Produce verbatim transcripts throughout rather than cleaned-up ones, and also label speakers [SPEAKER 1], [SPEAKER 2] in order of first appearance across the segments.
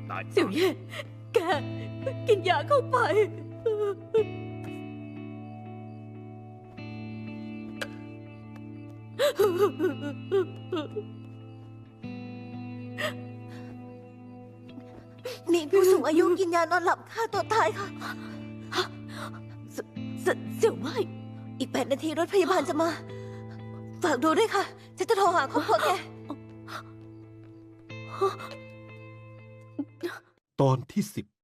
[SPEAKER 1] ตาย
[SPEAKER 2] เสี่ยวเย่แกกินยาเข้าไป
[SPEAKER 3] มีผู้สูงอายุกินยานอนหลับฆ่าตัวตายค่ะ
[SPEAKER 2] เสเสเสี่ยวไม่
[SPEAKER 3] อีกแปดนาทีรถพยาบาลจะมา ฝากดูด้วยค่ะ ฉันจะโทรหาครอบครัวแก
[SPEAKER 4] ตอนที่สิบ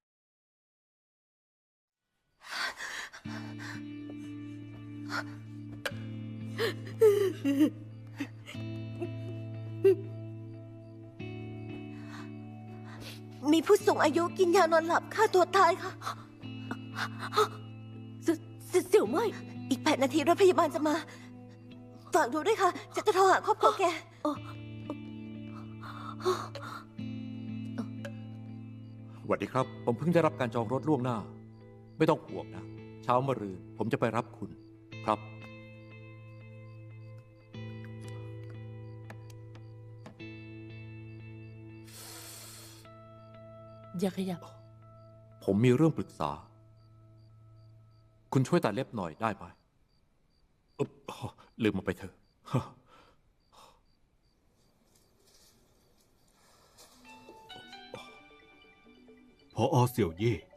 [SPEAKER 3] มีผู้สูงอายุกินยานอนหลับฆ่าตัวตายค่ะ
[SPEAKER 2] เสเสเสี่ยวไม่
[SPEAKER 3] อีกแปดนาทีรถพยาบาลจะมา ฝากดูด้วยค่ะ ฉันจะโทรหาครอบครัวแก
[SPEAKER 5] สวัสดีครับ ผมเพิ่งได้รับการจองรถล่วงหน้า ไม่ต้องห่วงนะ เช้ามะรืนผมจะไปรับคุณครับ
[SPEAKER 2] อย่าขยับ
[SPEAKER 5] ผมมีเรื่องปรึกษา คุณช่วยตัดเล็บหน่อยได้ไหมอุ๊บลืมมาไปเถอะ
[SPEAKER 4] พออเสี่ยวเย่